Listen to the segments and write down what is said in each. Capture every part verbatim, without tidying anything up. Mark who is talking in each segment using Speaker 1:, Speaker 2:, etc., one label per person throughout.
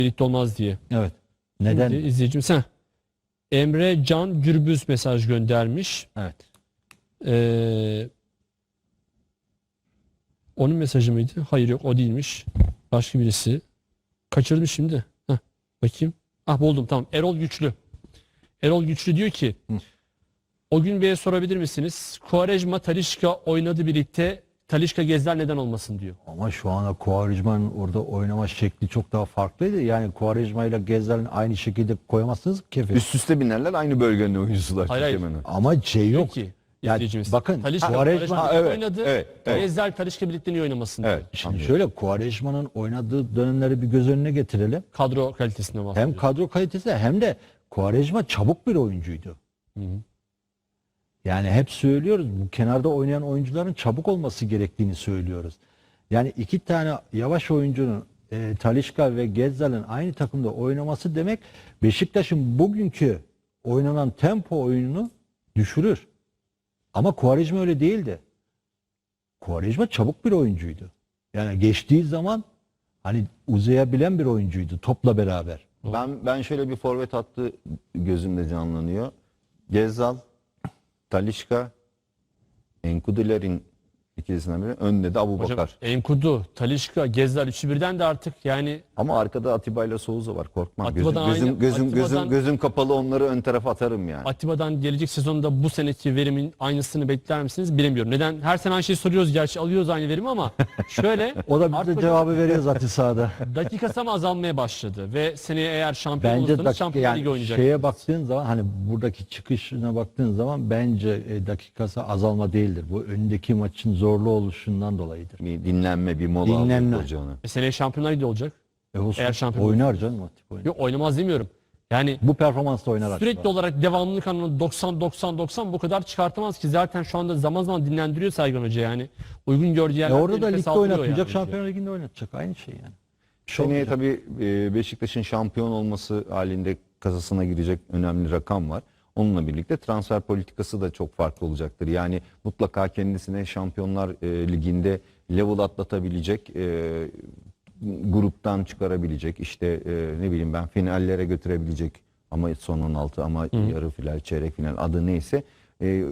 Speaker 1: birlikte olmaz diye.
Speaker 2: Evet. Neden?
Speaker 1: Şimdi izleyicimiz sen. Emre Can Gürbüz mesaj göndermiş.
Speaker 2: Evet.
Speaker 1: Ee, onun mesajı mıydı? Hayır yok o değilmiş. Başka birisi. Kaçırdım şimdi. Heh, bakayım. Ah buldum tamam. Erol Güçlü. Erol Güçlü diyor ki
Speaker 2: Hı.
Speaker 1: o gün Bey'e sorabilir misiniz? Quaresma Talisca oynadı birlikte. Talisca Gezler neden olmasın diyor.
Speaker 2: Ama şu anda Quaresma'nın orada oynama şekli çok daha farklıydı. Yani Quaresma ile Gezler'in aynı şekilde koyamazsınız kefe.
Speaker 3: Üst üste binerler, aynı bölgenin oyuncusular.
Speaker 1: Hayır, hayır.
Speaker 3: hemen.
Speaker 2: Ama şey yok.
Speaker 1: Peki.
Speaker 2: Yani
Speaker 1: izleyicimiz.
Speaker 2: bakın,
Speaker 1: Talisca,
Speaker 2: Quaresma-
Speaker 1: Quaresma
Speaker 3: Ha, evet,
Speaker 1: oynadı.
Speaker 3: evet, evet.
Speaker 1: Gezler Talisca birlikte niye oynamasın diyor.
Speaker 3: Evet.
Speaker 2: Şimdi
Speaker 3: anlıyorum.
Speaker 2: şöyle Quaresma'nın oynadığı dönemleri bir göz önüne getirelim.
Speaker 1: Kadro kalitesinden bahsediyor.
Speaker 2: Hem kadro kalitesi hem de Quaresma çabuk bir oyuncuydu.
Speaker 1: Hı hı.
Speaker 2: Yani hep söylüyoruz bu kenarda oynayan oyuncuların çabuk olması gerektiğini söylüyoruz. Yani iki tane yavaş oyuncunun e, Talisca ve Gezzal'ın aynı takımda oynaması demek Beşiktaş'ın bugünkü oynanan tempo oyununu düşürür. Ama Quaresma öyle değildi. Quaresma çabuk bir oyuncuydu. Yani geçtiği zaman hani uzayabilen bir oyuncuydu topla beraber.
Speaker 3: Ben ben şöyle bir forvet hattı gözümde canlanıyor. Gezzal, Talisca, Enkuduler'in ikisinden biri. Önde de Abubakar.
Speaker 1: Hocam Enkudu, Talisca, Gezler üçü birden de artık yani
Speaker 3: Ama arkada Atiba ile Souza var. Korkmam. Gözüm,
Speaker 1: Atiba'dan
Speaker 3: gözüm,
Speaker 1: aynı-
Speaker 3: gözüm, gözüm,
Speaker 1: Atiba'dan-
Speaker 3: gözüm kapalı onları ön tarafa atarım yani.
Speaker 1: Atiba'dan gelecek sezonda bu seneki verimin aynısını bekler misiniz bilemiyorum. Neden? Her sene aynı şeyi soruyoruz gerçi alıyoruz aynı verimi ama şöyle
Speaker 2: O da bize
Speaker 1: artık
Speaker 2: cevabı veriyor zaten sahada.
Speaker 1: dakikası ama azalmaya başladı ve seneye eğer şampiyon
Speaker 2: Bence
Speaker 1: olursanız
Speaker 2: dakika,
Speaker 1: Şampiyonlar Ligi
Speaker 2: yani
Speaker 1: oynayacak.
Speaker 2: şeye baktığın zaman hani buradaki çıkışına baktığın zaman bence e, dakikası azalma değildir. Bu önündeki maçın zorlu oluşundan dolayıdır.
Speaker 3: Bir dinlenme, bir mola
Speaker 2: Dinlenme.
Speaker 3: alıyor hoca onu.
Speaker 1: E seneye Şampiyonlar Ligi olacak.
Speaker 2: E olsun,
Speaker 1: Eğer şampiyon
Speaker 2: oynar canım Atip oynar.
Speaker 1: Yok oynamaz demiyorum. Yani
Speaker 2: Bu performansla oynar
Speaker 1: sürekli
Speaker 2: Atiba.
Speaker 1: olarak devamlılık anlamında doksan doksan doksan bu kadar çıkartamaz ki zaten şu anda zaman zaman dinlendiriyor Sergen Hoca yani. Uygun gördüğü
Speaker 2: E
Speaker 1: yerlerde
Speaker 2: orada da
Speaker 1: nefes
Speaker 2: ligde
Speaker 1: aldırıyor
Speaker 2: oynatmayacak,
Speaker 1: yani.
Speaker 2: Şampiyonlar Ligi'nde oynatacak. Aynı şey yani. Bir şey
Speaker 3: Seneye
Speaker 2: olmayacak.
Speaker 3: tabii e, Beşiktaş'ın şampiyon olması halinde kasasına girecek önemli rakam var. Onunla birlikte transfer politikası da çok farklı olacaktır. Yani mutlaka kendisine Şampiyonlar e, Ligi'nde level atlatabilecek, e, gruptan çıkarabilecek, işte e, ne bileyim ben finallere götürebilecek ama son on altı ama yarı final, çeyrek final adı neyse e,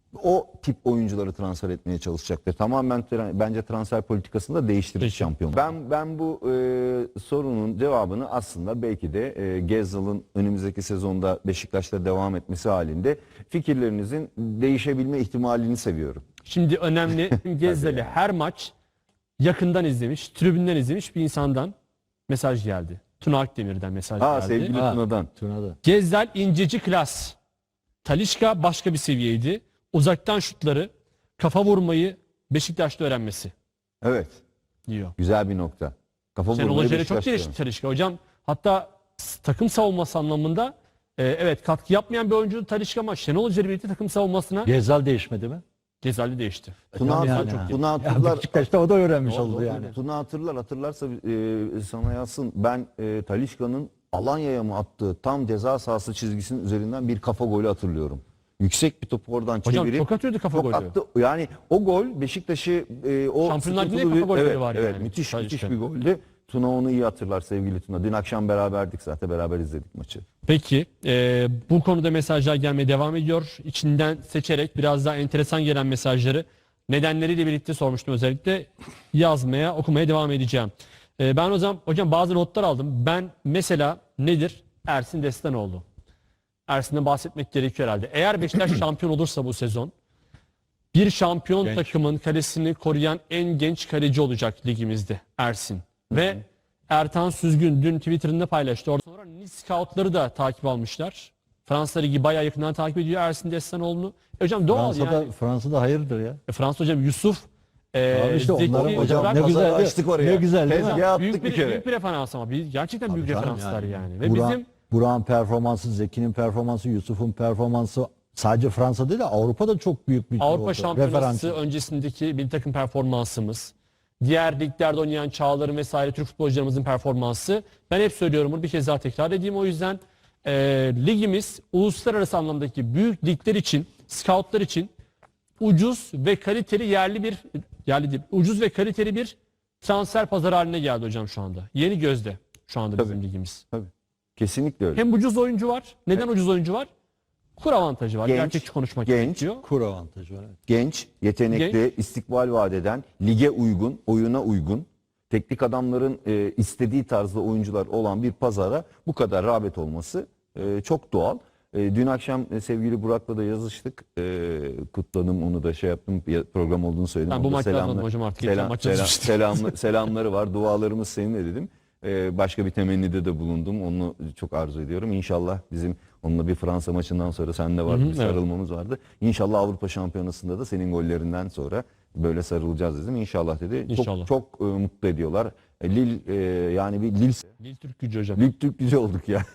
Speaker 3: o tip oyuncuları transfer etmeye çalışacaktır. Tamamen tra- bence transfer politikasını da değiştirir
Speaker 1: Peki.
Speaker 3: şampiyon. Ben ben bu e, sorunun cevabını aslında belki de e, Gezzal'ın önümüzdeki sezonda Beşiktaş'ta devam etmesi halinde fikirlerinizin değişebilme ihtimalini seviyorum.
Speaker 1: Şimdi önemli Gezzeli her maç yakından izlemiş, tribünden izlemiş bir insandan mesaj geldi. Tuna Akdemir'den mesaj
Speaker 3: Ha
Speaker 1: geldi.
Speaker 3: sevgili
Speaker 2: Ha.
Speaker 3: Tuna'dan.
Speaker 2: Tuna'da.
Speaker 1: Gezzel inceci klas. Talisca başka bir seviyeydi. Uzaktan şutları, kafa vurmayı Beşiktaş'ta öğrenmesi
Speaker 3: Evet.
Speaker 1: diyor.
Speaker 3: Güzel bir nokta. Kafa
Speaker 1: Şenol
Speaker 3: vurmayı
Speaker 1: Hoca ile çok
Speaker 3: Beşiktaş'ta
Speaker 1: gelişti Talisca. Hocam hatta s- takım savunması anlamında e, evet katkı yapmayan bir oyuncu Talisca ama Şenol Hoca ile birlikte takım savunmasına
Speaker 2: Gezzal değişmedi mi?
Speaker 1: Gezzel'de değişti.
Speaker 3: Tuna,
Speaker 2: Yani,
Speaker 3: Tuna,
Speaker 2: ha.
Speaker 3: Tuna
Speaker 2: Ya
Speaker 3: hatırlar.
Speaker 2: Beşiktaş'ta o da öğrenmiş
Speaker 1: Doğru,
Speaker 2: oldu
Speaker 1: doğru.
Speaker 2: yani.
Speaker 3: Tuna hatırlar hatırlarsa e, sana yazsın. Ben e, Talisca'nın Alanya'ya mı attığı tam ceza sahası çizgisinin üzerinden bir kafa golü hatırlıyorum. Yüksek bir topu oradan
Speaker 1: Hocam
Speaker 3: çevirip
Speaker 1: çok atıyordu kafa
Speaker 3: çok
Speaker 1: golü.
Speaker 3: attı. Yani o gol Beşiktaş'ı e, o
Speaker 1: Şampiyonlar Ligi'nde
Speaker 3: sıkıntılı
Speaker 1: kafa
Speaker 3: bir-
Speaker 1: golleri
Speaker 3: evet,
Speaker 1: var
Speaker 3: evet,
Speaker 1: yani.
Speaker 3: müthiş
Speaker 1: Talisca.
Speaker 3: müthiş bir goldü. Tuna onu iyi hatırlar sevgili Tuna. Dün akşam beraberdik zaten beraber izledik maçı.
Speaker 1: Peki e, bu konuda mesajlar gelmeye devam ediyor. İçinden seçerek biraz daha enteresan gelen mesajları nedenleriyle birlikte sormuştum özellikle yazmaya okumaya devam edeceğim. E, ben o zaman hocam bazı notlar aldım. Ben mesela nedir? Ersin Destanoğlu. Ersin'den bahsetmek gerekiyor herhalde. Eğer Beşiktaş şampiyon olursa bu sezon bir şampiyon
Speaker 2: Genç.
Speaker 1: takımın kalesini koruyan en genç kaleci olacak ligimizde Ersin. Ve Ertan Süzgün dün Twitter'ında paylaştı. Oradan sonra Nice Scout'ları da takip almışlar. Fransa Ligi bayağı yakından takip ediyor Ersin Destanoğlu'nu. E hocam doğal
Speaker 2: Fransa'da,
Speaker 1: yani.
Speaker 2: Fransa'da hayırdır ya.
Speaker 1: E, Fransa hocam Yusuf e,
Speaker 2: Abi işte
Speaker 1: Zeki,
Speaker 2: onların hocam
Speaker 1: Burak-
Speaker 2: ne
Speaker 3: pazarı
Speaker 2: güzel,
Speaker 3: açtık oraya.
Speaker 2: ne güzel değil mi?
Speaker 3: Tezgah attık
Speaker 1: büyük bir,
Speaker 3: bir kere.
Speaker 1: büyük bir referans ama bir, gerçekten büyük
Speaker 2: Tabii canım
Speaker 1: referanslar yani.
Speaker 2: yani.
Speaker 1: Ve
Speaker 2: Burak-
Speaker 1: bizim
Speaker 2: Burak'ın performansı, Zeki'nin performansı, Yusuf'un performansı sadece Fransa değil de Avrupa'da çok büyük bir
Speaker 1: Avrupa
Speaker 2: oldu.
Speaker 1: Şampiyonası
Speaker 2: Referans.
Speaker 1: öncesindeki bir takım performansımız, diğer liglerde oynayan Çağlar'ın vesaire Türk futbolcularımızın performansı. Ben hep söylüyorum bunu bir kez daha tekrar edeyim. O yüzden e, ligimiz uluslararası anlamdaki büyük ligler için, scoutlar için ucuz ve kaliteli yerli bir yerli değil, ucuz ve kaliteli bir transfer pazarı haline geldi hocam şu anda. Yeni gözde. şu anda
Speaker 3: Tabii.
Speaker 1: bizim ligimiz.
Speaker 3: Tabii. Kesinlikle öyle.
Speaker 1: Hem ucuz oyuncu var. Neden ucuz oyuncu var? Kur avantajı var.
Speaker 3: Genç,
Speaker 1: Gerçekçi konuşmak
Speaker 3: genç.
Speaker 1: gerekiyor.
Speaker 2: Kur avantajı var. Evet.
Speaker 3: Genç, yetenekli, istikbal vadeden, lige uygun, oyuna uygun, teknik adamların e, istediği tarzda oyuncular olan bir pazara bu kadar rağbet olması e, çok doğal. E, dün akşam e, sevgili Burak'la da yazıştık. E, kutladım, onu da şey yaptım. Ya- Program olduğunu söyledim.
Speaker 1: Ben bu
Speaker 3: O da
Speaker 1: maçı
Speaker 3: selamlar-
Speaker 1: yazmadım hocam artık. Geçen
Speaker 3: Selam,
Speaker 1: maç
Speaker 3: selam,
Speaker 1: yazmıştım.
Speaker 3: selamlı- selamları var. Dualarımız seninle dedim. E, başka bir temennide de bulundum. Onu çok arzu ediyorum. İnşallah bizim onunla bir Fransa maçından sonra sende vardı,
Speaker 1: Hı hı,
Speaker 3: bir
Speaker 1: evet.
Speaker 3: sarılmamız vardı. İnşallah Avrupa Şampiyonası'nda da senin gollerinden sonra böyle sarılacağız dedim. İnşallah dedi.
Speaker 1: İnşallah.
Speaker 3: Çok çok e, mutlu ediyorlar. E, Lille e, yani bir Lille,
Speaker 1: Lille Türk gücü hocam.
Speaker 3: Lille Türk gücü olduk ya.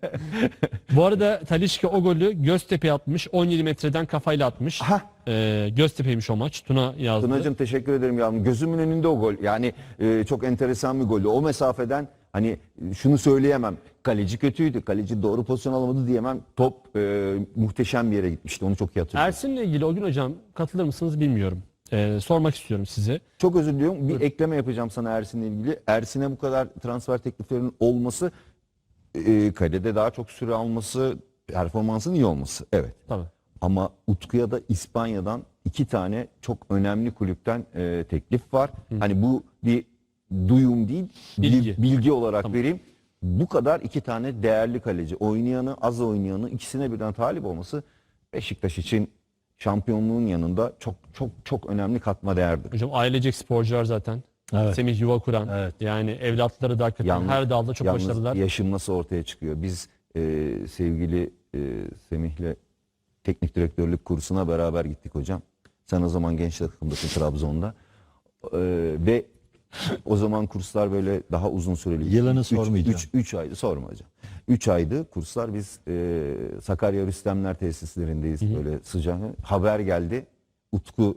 Speaker 1: Bu arada Talisca o golü Göztepe atmış. on yedi metreden kafayla atmış.
Speaker 3: Hah.
Speaker 1: Ee, Göztepe'ymiş o maç. Tuna yazdı.
Speaker 3: Tunacığım teşekkür ederim ya. Gözümün önünde o gol. Yani e, çok enteresan bir goldü. O mesafeden hani e, şunu söyleyemem. Kaleci kötüydü. Kaleci doğru pozisyon alamadı diyemem. Top e, muhteşem bir yere gitmişti. Onu çok iyi hatırlıyorum.
Speaker 1: Ersin'le ilgili o gün hocam katılır mısınız bilmiyorum. Ee, sormak istiyorum size.
Speaker 3: Çok özür diliyorum. Bir ekleme yapacağım sana Ersin'le ilgili. Ersin'e bu kadar transfer tekliflerinin olması, e, kalede daha çok süre alması, performansın iyi olması. Evet.
Speaker 1: Tabii.
Speaker 3: Ama Utku'ya da İspanya'dan iki tane çok önemli kulüpten e, teklif var. Hani bu bir duyum değil,
Speaker 1: Bilgi.
Speaker 3: bilgi, bilgi olarak
Speaker 1: Tamam.
Speaker 3: vereyim. Bu kadar iki tane değerli kaleci, oynayanı, az oynayanı ikisine birden talip olması Beşiktaş için şampiyonluğun yanında çok çok çok önemli katma değerdir.
Speaker 1: Hocam ailecek sporcular zaten.
Speaker 2: Evet.
Speaker 1: Semih yuva kuran.
Speaker 2: Evet.
Speaker 1: Yani evlatları da hakikaten
Speaker 3: Yalnız-
Speaker 1: her dalda çok
Speaker 3: Yalnız
Speaker 1: başarılılar.
Speaker 3: yaşım nasıl ortaya çıkıyor? Biz e, sevgili e, Semih'le teknik direktörlük kursuna beraber gittik hocam. Sen o zaman genç takımdasın Trabzon'da. E, ve o zaman kurslar böyle daha uzun süreli.
Speaker 2: Yılını
Speaker 3: Üç-
Speaker 2: sormayacağım.
Speaker 3: Üç, üç aydı sorma hocam. Üç aydı kurslar, biz e, Sakarya Rüstemler tesislerindeyiz böyle sıcak. Haber geldi Utku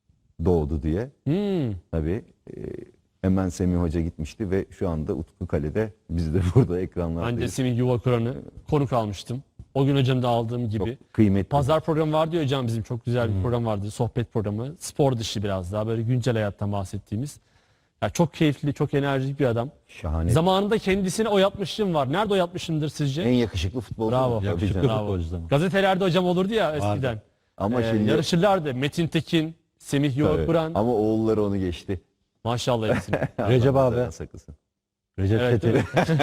Speaker 3: doğdu diye.
Speaker 1: Hmm.
Speaker 3: Tabii e, hemen Semih Hoca gitmişti ve şu anda Utku kalede, biz de burada
Speaker 1: Ben de
Speaker 3: ekranlardayız.
Speaker 1: Semih yuva kuranı konuk almıştım. O gün hocam da aldığım gibi.
Speaker 3: Çok kıymetli.
Speaker 1: Pazar programı vardı ya hocam, bizim çok güzel bir program vardı. Sohbet programı. Spor dışı biraz daha böyle güncel hayattan bahsettiğimiz. Ya çok keyifli, çok enerjik bir adam.
Speaker 3: Şahane.
Speaker 1: Zamanında kendisine oyatmışlığım var. Nerede oyatmışımdır sizce?
Speaker 3: En yakışıklı futbolcu.
Speaker 1: Bravo.
Speaker 3: Tabii
Speaker 2: Yakışıklı
Speaker 3: canım.
Speaker 1: Bravo.
Speaker 2: futbolcudan.
Speaker 1: Gazetelerde hocam olurdu ya eskiden.
Speaker 3: Ama
Speaker 1: Ee,
Speaker 3: şimdi
Speaker 1: yarışırlardı. Metin Tekin, Semih
Speaker 3: Tabii.
Speaker 1: yuva kuran.
Speaker 3: Ama oğulları onu geçti.
Speaker 1: Maşallah hepsine.
Speaker 2: Recep
Speaker 3: Allah
Speaker 2: abi.
Speaker 3: canını saklasın.
Speaker 2: Recep
Speaker 1: Evet,
Speaker 2: Tetin.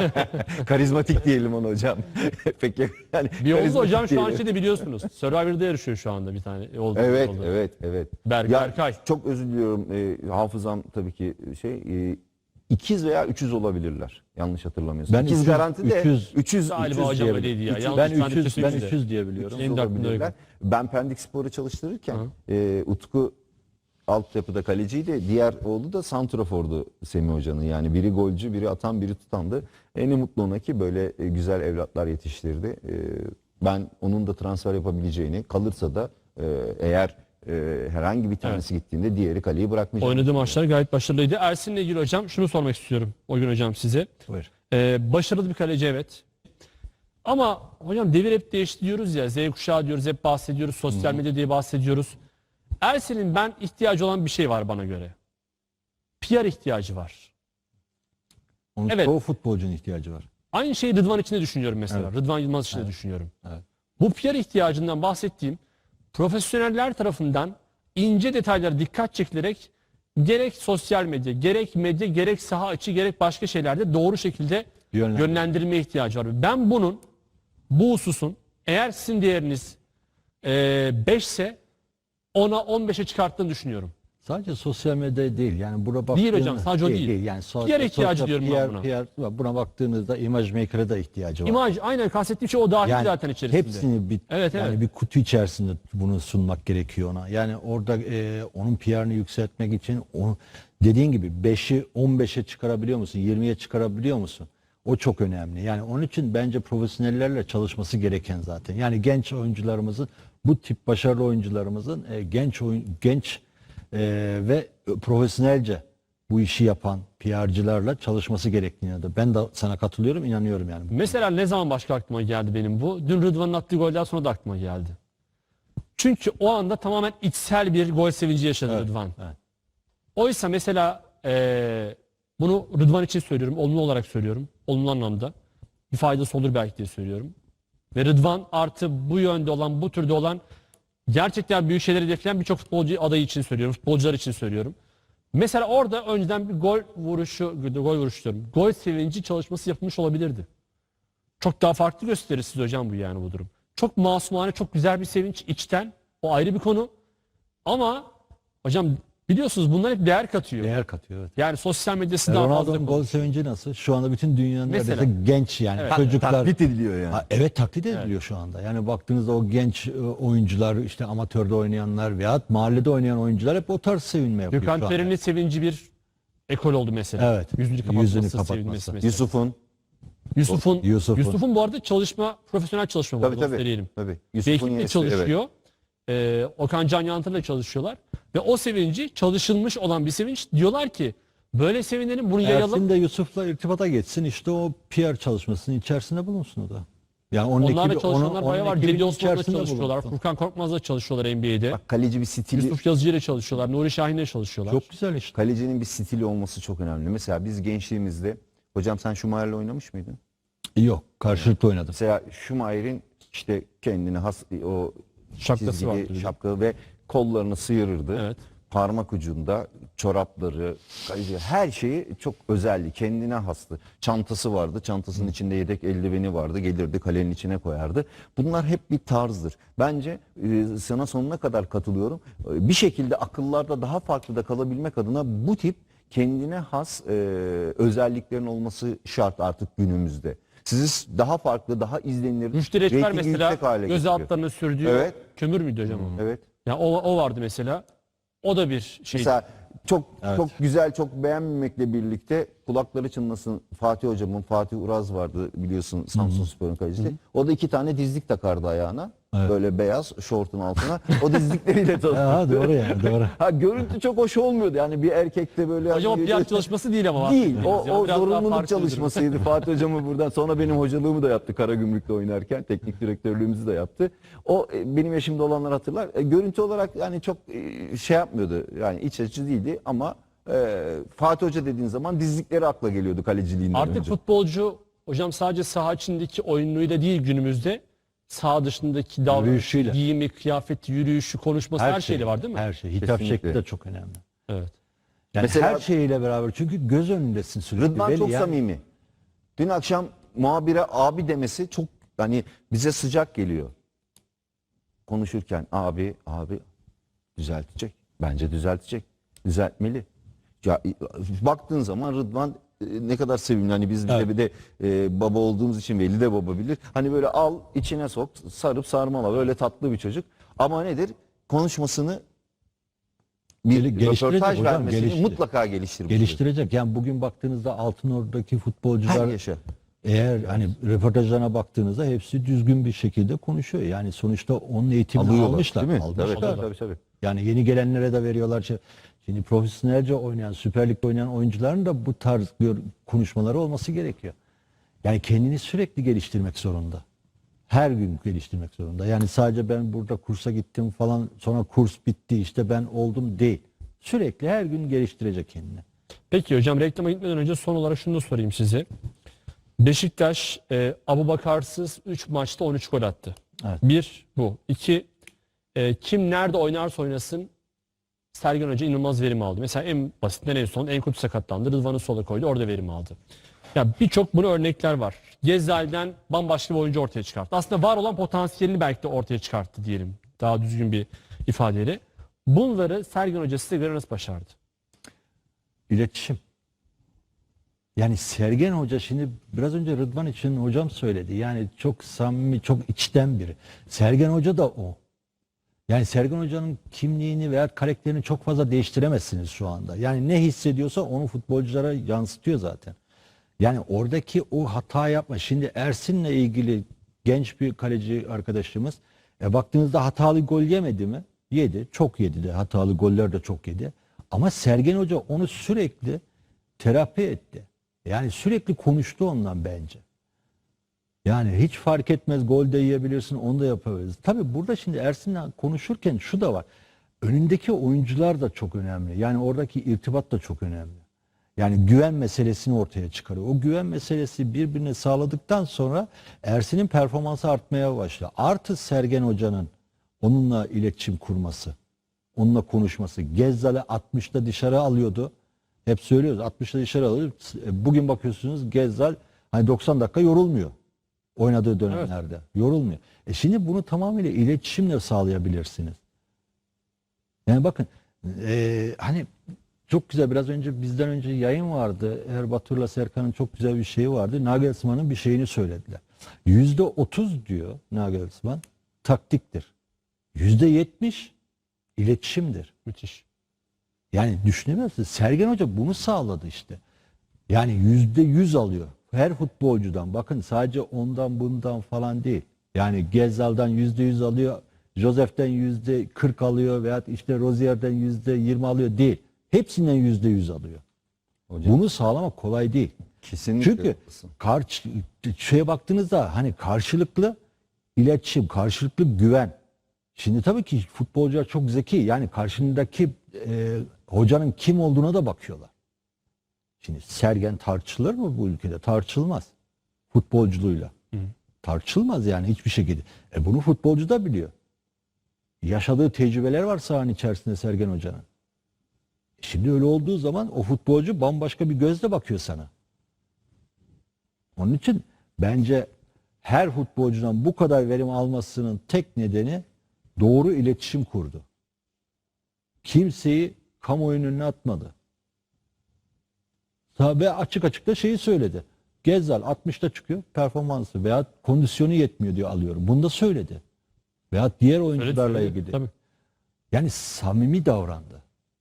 Speaker 3: Karizmatik diyelim ona hocam. Peki yani
Speaker 1: Bir oldu
Speaker 3: karizmatik
Speaker 1: hocam şu an
Speaker 3: diyelim.
Speaker 1: şeyde biliyorsunuz. Survivor'da yarışıyor şu anda bir tane. Oldu,
Speaker 3: Evet,
Speaker 1: oldu.
Speaker 3: evet, evet.
Speaker 1: Berk-
Speaker 3: Ya,
Speaker 1: Berkay.
Speaker 3: çok özür diliyorum. Ee, hafızam tabii ki şey e, ikiz veya üçüz olabilirler. Yanlış hatırlamıyorsam.
Speaker 2: Ben
Speaker 3: İkiz
Speaker 2: üçüz-
Speaker 3: garanti de
Speaker 2: üçüz-
Speaker 3: üçüz,
Speaker 1: Galiba
Speaker 3: üçüz
Speaker 1: hocam
Speaker 3: diyebilirim.
Speaker 1: öyleydi ya.
Speaker 3: Üçüz-
Speaker 1: Yanlış
Speaker 2: Ben
Speaker 1: ben de
Speaker 2: üçüz, ben
Speaker 1: kesinlikle.
Speaker 2: üçüz diye biliyorum.
Speaker 1: Benim de aklımda
Speaker 3: olabilirler.
Speaker 1: öyle.
Speaker 3: Ben Pendik Spor'u çalıştırırken
Speaker 1: Hı.
Speaker 3: e, Utku altyapıda kaleciydi. Diğer oğlu da santrafordu Semih Hoca'nın. Yani biri golcü, biri atan, biri tutandı. En mutlu ona ki böyle e, güzel evlatlar yetiştirdi. E, ben onun da transfer yapabileceğini, kalırsa da e, eğer e, herhangi bir tanesi gittiğinde diğeri kaleyi bırakmayacak.
Speaker 1: Oynadığı maçlar gayet başarılıydı. Ersin'le ilgili hocam şunu sormak istiyorum. O gün hocam size.
Speaker 2: Buyur.
Speaker 1: Ee, başarılı bir kaleci evet. Ama hocam devir hep değişti diyoruz ya. Z kuşağı diyoruz, hep bahsediyoruz. Sosyal medya diye bahsediyoruz. Ersin'in ben ihtiyacı olan bir şey var bana göre. P R ihtiyacı var.
Speaker 2: Onun
Speaker 1: Evet.
Speaker 2: çoğu futbolcunun ihtiyacı var.
Speaker 1: Aynı şeyi Rıdvan için de düşünüyorum mesela.
Speaker 2: Evet.
Speaker 1: Rıdvan Yılmaz için de düşünüyorum.
Speaker 2: Evet.
Speaker 1: Bu P R ihtiyacından bahsettiğim profesyoneller tarafından ince detaylara dikkat çekilerek gerek sosyal medya, gerek medya, gerek saha içi, gerek başka şeylerde doğru şekilde
Speaker 2: Yönlendir-
Speaker 1: yönlendirilme ihtiyacı var. Ben bunun, bu hususun eğer sizin değeriniz beş ise ona on beşe çıkarttığını düşünüyorum.
Speaker 2: Sadece sosyal medya değil. Yani buna
Speaker 1: Değil
Speaker 2: baktığınız-
Speaker 1: hocam, sadece o değil.
Speaker 2: Yani so-
Speaker 1: P R ihtiyacı
Speaker 2: sosyal-
Speaker 1: diyorum ben
Speaker 2: P R,
Speaker 1: buna.
Speaker 2: P R, buna baktığınızda imaj maker'a da ihtiyacı var.
Speaker 1: İmaj, aynen kastettiğim şey o dahil
Speaker 2: Yani
Speaker 1: zaten içerisinde.
Speaker 2: hepsini bir
Speaker 1: Evet,
Speaker 2: yani
Speaker 1: evet.
Speaker 2: bir kutu içerisinde bunu sunmak gerekiyor ona. Yani orada e, onun P R'ını yükseltmek için onu dediğin gibi beşi on beşe çıkarabiliyor musun? yirmiye çıkarabiliyor musun? O çok önemli. Yani onun için bence profesyonellerle çalışması gereken zaten. Yani genç oyuncularımızın, bu tip başarılı oyuncularımızın e, genç oyun genç e, ve profesyonelce bu işi yapan P R'cılarla çalışması gerektiğine de ben de sana katılıyorum, inanıyorum yani.
Speaker 1: Mesela ne zaman başka aklıma geldi benim bu? Dün Rıdvan'ın attığı golden sonra da aklıma geldi. Çünkü o anda tamamen içsel bir gol sevinci yaşadı
Speaker 2: Evet,
Speaker 1: Rıdvan.
Speaker 2: evet.
Speaker 1: Oysa mesela eee, bunu Rıdvan için söylüyorum, olumlu olarak söylüyorum. Olumlu anlamda. Bir faydası olur belki diye söylüyorum. Ve Rıdvan artı bu yönde olan, bu türde olan gerçekten büyük şeyleri hedefleyen birçok futbolcu adayı için söylüyorum. Futbolcular için söylüyorum. Mesela orada önceden bir gol vuruşu, gol vuruşu diyorum. Gol sevinci çalışması yapılmış olabilirdi. Çok daha farklı gösterir siz hocam bu yani bu durum. Çok masumane, çok güzel bir sevinç içten. O ayrı bir konu. Ama hocam biliyorsunuz bunlar hep değer katıyor.
Speaker 2: Değer katıyor. Evet.
Speaker 1: Yani sosyal medyası daha fazla
Speaker 2: Ronaldo'nun gol
Speaker 1: konuşuyor.
Speaker 2: sevinci nasıl? Şu anda bütün dünyanın
Speaker 1: Mesela.
Speaker 2: neredeyse genç yani
Speaker 1: Evet.
Speaker 2: çocuklar.
Speaker 3: Taklit ediliyor yani.
Speaker 2: Ha, evet taklit ediliyor şu anda. Yani baktığınızda o genç e, oyuncular, işte amatörde oynayanlar veya mahallede oynayan oyuncular hep o tarz sevinme yapıyor
Speaker 1: Gökhan
Speaker 2: şu anda.
Speaker 1: Tören'in sevinci bir ekol oldu mesela.
Speaker 2: Evet.
Speaker 1: Yüzünü kapatması,
Speaker 2: Yüzünü
Speaker 1: sevinmesi
Speaker 2: kapatması.
Speaker 1: mesela.
Speaker 3: Yusuf'un
Speaker 1: Yusuf'un
Speaker 2: Yusuf'un.
Speaker 1: Yusuf'un bu arada çalışma, profesyonel çalışma bu
Speaker 3: tabii
Speaker 1: arada,
Speaker 3: tabii.
Speaker 1: söyleyelim.
Speaker 3: tabii.
Speaker 1: Bir
Speaker 3: Yusuf'un
Speaker 1: ekiple
Speaker 3: yenisi,
Speaker 1: çalışıyor. Ee, Okan Can Yantır'la çalışıyorlar. Ve o sevinci çalışılmış olan bir sevinç. Diyorlar ki böyle sevinelim, bunu yayalım.
Speaker 2: Ersin de Yusuf'la irtibata geçsin, işte o P R çalışmasının içerisinde bulunsun o da. Yani onun
Speaker 1: Onlarla
Speaker 2: ekibi-
Speaker 1: çalışanlar
Speaker 2: onun-
Speaker 1: bayağı
Speaker 2: onun
Speaker 1: var.
Speaker 2: ekibinin
Speaker 1: Cedi Osman'la
Speaker 2: içerisinde
Speaker 1: çalışıyorlar.
Speaker 2: bulunsun.
Speaker 1: Furkan Korkmaz'la çalışıyorlar N B A'de.
Speaker 3: Bak kaleci bir stili,
Speaker 1: Yusuf Yazıcı ile çalışıyorlar. Nuri Şahin'le çalışıyorlar.
Speaker 2: Çok güzel işte.
Speaker 3: kalecinin bir stili olması çok önemli. Mesela biz gençliğimizde, hocam sen Schumacher'le oynamış mıydın?
Speaker 2: Yok, karşılıklı oynadım.
Speaker 3: Mesela Schumacher'in işte kendine has o
Speaker 1: Şapkası
Speaker 3: çizgili
Speaker 1: vardı bir de.
Speaker 3: şapka ve kollarını sıyırırdı.
Speaker 1: Evet.
Speaker 3: Parmak ucunda çorapları, kaleci, her şeyi çok özeldi. Kendine hastı. Çantası vardı. Çantasının içinde yedek eldiveni vardı. Gelirdi kalenin içine koyardı. Bunlar hep bir tarzdır. Bence e, sana sonuna kadar katılıyorum. E, bir şekilde akıllarda daha farklı da kalabilmek adına bu tip kendine has e, özelliklerin olması şart artık günümüzde. Sizi daha farklı, daha izlenir,
Speaker 1: Rüştü Reçber
Speaker 3: reytingi
Speaker 1: mesela
Speaker 3: yüksek hale
Speaker 1: göz
Speaker 3: getiriyor.
Speaker 1: altlarına sürdüğü
Speaker 3: Evet.
Speaker 1: kömür müydü hocam o?
Speaker 3: Evet.
Speaker 1: Ya o, o vardı mesela. O da bir şey.
Speaker 3: Mesela çok çok güzel, çok beğenmemekle birlikte kulakları çınlasın Fatih hocamın, Fatih Uraz vardı biliyorsun Samsunspor'un kalecisi. O da iki tane dizlik takardı ayağına. Böyle beyaz şortun altına. O dizlikleriyle tanıtırdı.
Speaker 2: Ha, doğru yani, doğru.
Speaker 3: Ha, görüntü çok hoş olmuyordu. Yani bir erkekte böyle...
Speaker 1: Hocam o
Speaker 3: hani-
Speaker 1: P R çalışması değil ama.
Speaker 3: Değil. O,
Speaker 1: bahsettiğimiz ya.
Speaker 3: o
Speaker 1: Biraz daha
Speaker 3: zorunluluk
Speaker 1: farklı bir durum.
Speaker 3: çalışmasıydı. Fatih hocamı buradan sonra benim hocalığımı da yaptı Karagümrük'te oynarken. Teknik direktörlüğümüzü de yaptı. O e, benim yaşımda olanlar hatırlar. E, görüntü olarak yani çok e, şey yapmıyordu. Yani iç açıcı değildi ama e, Fatih Hoca dediğin zaman dizlikleri akla geliyordu kaleciliğinden
Speaker 1: Artık
Speaker 3: önce.
Speaker 1: futbolcu hocam sadece saha içindeki oyunuyla değil günümüzde saha dışındaki davranışı,
Speaker 2: Yürüyüşüyle.
Speaker 1: giyimi, kıyafeti, yürüyüşü, konuşması her, şeyle var değil mi?
Speaker 2: Her şey. Hitap
Speaker 3: Kesinlikle.
Speaker 2: şekli de çok önemli.
Speaker 1: Evet.
Speaker 2: Yani
Speaker 3: Mesela-
Speaker 2: her şeyiyle beraber, çünkü göz önündesin sürekli.
Speaker 3: Rıdvan
Speaker 2: Belli
Speaker 3: çok
Speaker 2: yani.
Speaker 3: samimi. Dün akşam muhabire abi demesi çok hani bize sıcak geliyor. Konuşurken abi abi düzeltecek. Bence düzeltecek. Düzeltmeli. Ya baktığın zaman Rıdvan e, ne kadar sevimli. Hani biz bir de bir de e, baba olduğumuz için Veli de baba bilir. Hani böyle al içine sok, sarıp sarmala. Böyle tatlı bir çocuk. Ama nedir? Konuşmasını bir
Speaker 2: Gel- geliştirecek
Speaker 3: röportaj
Speaker 2: hocam,
Speaker 3: vermesini
Speaker 2: geliştirecek.
Speaker 3: mutlaka geliştirmeli.
Speaker 2: Geliştirecek. Yani bugün baktığınızda Altınordu'daki futbolcular
Speaker 3: Her yaşa.
Speaker 2: eğer hani röportajlarına baktığınızda hepsi düzgün bir şekilde konuşuyor. Yani sonuçta onun eğitimini
Speaker 3: Alıyorlar,
Speaker 2: almışlar.
Speaker 3: değil mi?
Speaker 2: Almışlar.
Speaker 3: Tabii, tabii, tabii.
Speaker 2: Yani yeni gelenlere de veriyorlar. Şimdi profesyonelce oynayan, Süper Lig'de oynayan oyuncuların da bu tarz gör- konuşmaları olması gerekiyor. Yani kendini sürekli geliştirmek zorunda. Her gün geliştirmek zorunda. Yani sadece ben burada kursa gittim falan, sonra kurs bitti işte ben oldum değil. Sürekli her gün geliştirecek kendini.
Speaker 1: Peki hocam reklama gitmeden önce son olarak şunu da sorayım size. Beşiktaş e, Abubakarsız üç maçta on üç gol attı.
Speaker 2: Evet.
Speaker 1: Bir bu. İki e, kim nerede oynarsa oynasın Sergen Hoca inanılmaz verim aldı. Mesela en basitinden en son Enkudu sakatlandı. Rıdvan'ı sola koydu. Orada verim aldı. Ya birçok bunu örnekler var. Gezzal'den bambaşka bir oyuncu ortaya çıkarttı. Aslında var olan potansiyelini belki de ortaya çıkarttı diyelim. Daha düzgün bir ifadeyle. Bunları Sergen Hoca size göre nasıl başardı?
Speaker 2: İletişim. Yani Sergen Hoca, şimdi biraz önce Rıdvan için hocam söyledi. Yani çok samimi, çok içten biri. Sergen Hoca da o. Yani Sergen Hoca'nın kimliğini veya karakterini çok fazla değiştiremezsiniz şu anda. Yani ne hissediyorsa onu futbolculara yansıtıyor zaten. Yani oradaki o hata yapma. Şimdi Ersin'le ilgili genç bir kaleci arkadaşımız e, baktığınızda hatalı gol yemedi mi? Yedi. Çok yedi de. Hatalı goller de çok yedi. Ama Sergen Hoca onu sürekli terapi etti. Yani sürekli konuştu ondan bence. Yani hiç fark etmez, gol de yiyebilirsin, onu da yapabiliriz. Tabii burada şimdi Ersin'le konuşurken şu da var. Önündeki oyuncular da çok önemli. Yani oradaki irtibat da çok önemli. Yani güven meselesini ortaya çıkarıyor. O güven meselesi birbirine sağladıktan sonra Ersin'in performansı artmaya başlıyor. Artı Sergen Hoca'nın onunla iletişim kurması, onunla konuşması. Gezzal'e altmışta dışarı alıyordu. Hep söylüyoruz altmışta dışarı alıyordu. Bugün bakıyorsunuz Gezzal hani doksan dakika yorulmuyor. Oynadığı dönemlerde. Yorulmuyor. E şimdi bunu tamamıyla iletişimle sağlayabilirsiniz. Yani bakın e, hani çok güzel, biraz önce bizden önce yayın vardı. Erbatur'la Serkan'ın çok güzel bir şeyi vardı. Nagelsmann'ın bir şeyini söylediler. Yüzde otuz diyor Nagelsmann taktiktir. Yüzde yetmiş iletişimdir.
Speaker 1: Müthiş.
Speaker 2: Yani düşünemezsiniz. Sergen Hoca bunu sağladı işte. Yani yüzde yüz alıyor. Her futbolcudan. Bakın sadece ondan bundan falan değil. Yani Gezzal'dan yüzde yüz alıyor. Josef'ten yüzde kırk alıyor. Veya işte Rozier'den yüzde yirmi alıyor. Değil. Hepsinden yüzde yüz alıyor.
Speaker 3: Hocam,
Speaker 2: Bunu sağlamak kolay değil.
Speaker 3: kesinlikle
Speaker 2: Çünkü
Speaker 3: haklısın.
Speaker 2: karşı, şeye baktığınızda hani karşılıklı iletişim, karşılıklı güven. Şimdi tabii ki futbolcular çok zeki. Yani karşındaki e, hocanın kim olduğuna da bakıyorlar. Şimdi Sergen tartışılır mı bu ülkede? Tartışılmaz. Futbolculuğuyla.
Speaker 1: Hı.
Speaker 2: Tartışılmaz yani hiçbir şekilde. E bunu futbolcu da biliyor. Yaşadığı tecrübeler var sahanın içerisinde Sergen Hoca'nın. Şimdi öyle olduğu zaman o futbolcu bambaşka bir gözle bakıyor sana. Onun için bence her futbolcudan bu kadar verim almasının tek nedeni doğru iletişim kurdu. Kimseyi kamuoyunun önüne atmadı. Ve açık açık da şeyi söyledi. Gezzal altmışta çıkıyor, performansı veya kondisyonu yetmiyor diyor alıyorum. Bunu da söyledi. Veya diğer oyuncularla
Speaker 1: Öyle
Speaker 2: ilgili.
Speaker 1: tabii.
Speaker 2: Yani samimi davrandı.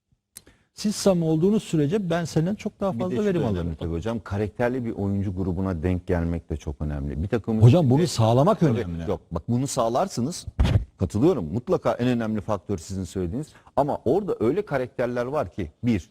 Speaker 2: Siz samimi olduğunuz sürece ben senden çok daha
Speaker 3: Bir
Speaker 2: fazla
Speaker 3: de şu
Speaker 2: verim
Speaker 3: da
Speaker 2: alırım.
Speaker 3: önemli tabii hocam. Karakterli bir oyuncu grubuna denk gelmek de çok önemli. Bir takımın
Speaker 2: Hocam
Speaker 3: içinde-
Speaker 2: bunu sağlamak
Speaker 3: Tabii,
Speaker 2: önemli.
Speaker 3: Yok bak, bunu sağlarsınız. Katılıyorum. Mutlaka en önemli faktör sizin söylediğiniz. Ama orada öyle karakterler var ki: bir,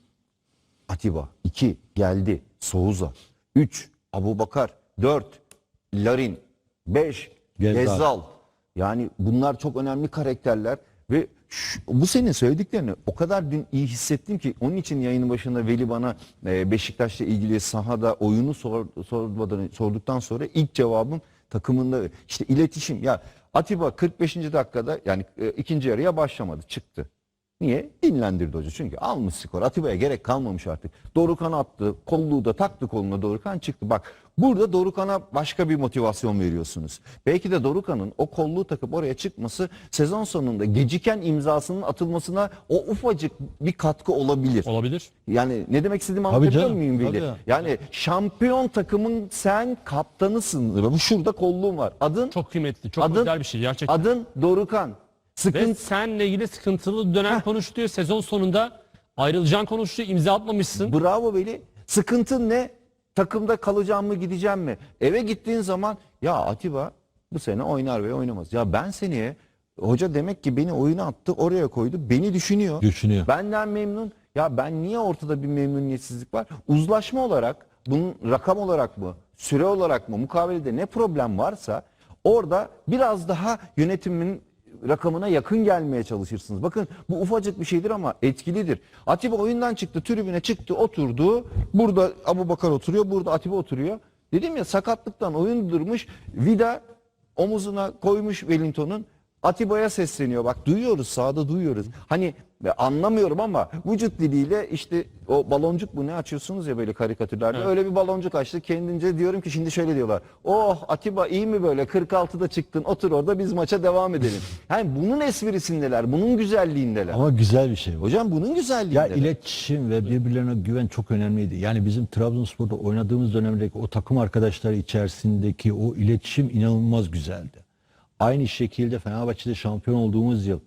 Speaker 3: Atiba; iki, geldi Souza; üç, Abubakar; dört, Larin; beş,
Speaker 2: Gezzal.
Speaker 3: Gezzal. Yani bunlar çok önemli karakterler ve şu- bu senin söylediklerini o kadar dün iyi hissettim ki, onun için yayının başında Veli bana e, Beşiktaş'la ilgili sahada oyunu sor, sormadan, sorduktan sonra ilk cevabım takımında işte iletişim. Ya Atiba kırk beşinci dakikada, yani e, ikinci yarıya başlamadı, çıktı. Niye? Dinlendirdi hoca. Çünkü almış skor. Atiba'ya gerek kalmamış artık. Dorukhan attı. Kolluğu da taktı koluna, Dorukhan çıktı. Bak, burada Dorukhan'a başka bir motivasyon veriyorsunuz. Belki de Dorukhan'ın o kolluğu takıp oraya çıkması sezon sonunda geciken imzasının atılmasına o ufacık bir katkı olabilir.
Speaker 1: Olabilir.
Speaker 3: Yani ne demek istediğimi
Speaker 2: Tabii
Speaker 3: anlatabiliyor
Speaker 2: canım,
Speaker 3: muyum Veli?
Speaker 2: tabii.
Speaker 3: Yani şampiyon takımın sen kaptanısın. Bu şurada kolluğun var. Adın
Speaker 1: Çok kıymetli. Çok
Speaker 3: Adın-
Speaker 1: özel bir şey gerçekten.
Speaker 3: adın Dorukhan.
Speaker 1: Ve
Speaker 3: Sıkıntı
Speaker 1: seninle ilgili sıkıntılı dönem konuştuğu, sezon sonunda ayrılacağın konuştuğu, imza atmamışsın.
Speaker 3: Bravo Veli. Sıkıntın ne? Takımda kalacağım mı, gideceğim mi? Eve gittiğin zaman ya Atiba bu sene oynar ve oynamaz. Ya ben seneye, hoca demek ki beni oyuna attı, oraya koydu. Beni düşünüyor.
Speaker 2: Düşünüyor.
Speaker 3: Benden memnun. Ya ben niye ortada bir memnuniyetsizlik var? Uzlaşma olarak, bunun rakam olarak mı, süre olarak mı, mukavelede ne problem varsa orada biraz daha yönetimin rakamına yakın gelmeye çalışırsınız. Bakın, bu ufacık bir şeydir ama etkilidir. Atiba oyundan çıktı, tribüne çıktı, oturdu. Burada Abubakar oturuyor, burada Atiba oturuyor. Dedim ya, sakatlıktan oyun durmuş. Vida omuzuna koymuş Wellington'un. Atiba'ya sesleniyor. Bak, duyuyoruz, sahada duyuyoruz. Hani e, anlamıyorum ama vücut diliyle işte o baloncuk mu ne açıyorsunuz ya böyle karikatürlerde.
Speaker 1: Evet.
Speaker 3: Öyle bir baloncuk açtı. Kendince diyorum ki şimdi şöyle diyorlar. Oh Atiba iyi mi böyle, kırk altıda çıktın, otur orada, biz maça devam edelim. Yani bunun esprisindeler, bunun güzelliğindeler.
Speaker 2: Ama güzel bir şey bu.
Speaker 3: Hocam bunun
Speaker 2: Ya
Speaker 3: güzelliğindeler.
Speaker 2: iletişim ve birbirlerine güven çok önemliydi. Yani bizim Trabzonspor'da oynadığımız dönemdeki o takım arkadaşları içerisindeki o iletişim inanılmaz güzeldi. Aynı şekilde Fenerbahçe'de şampiyon olduğumuz yıl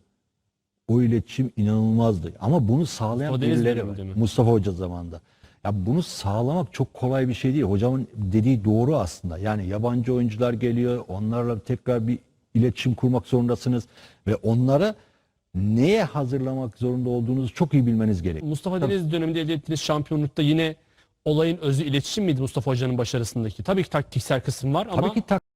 Speaker 2: o iletişim inanılmazdı. Ama bunu sağlayan
Speaker 1: Mustafa Deniz
Speaker 2: birileri var.
Speaker 1: döneminde mi?
Speaker 2: Mustafa Hoca zamanında. Ya bunu sağlamak çok kolay bir şey değil. Hocamın dediği doğru aslında. Yani yabancı oyuncular geliyor. Onlarla tekrar bir iletişim kurmak zorundasınız. Ve onlara neye hazırlamak zorunda olduğunuzu çok iyi bilmeniz gerekiyor.
Speaker 1: Mustafa Deniz döneminde elde ettiğiniz şampiyonlukta yine olayın özü iletişim miydi Mustafa Hoca'nın başarısındaki? Tabii ki taktiksel kısım var ama
Speaker 2: Tabii ki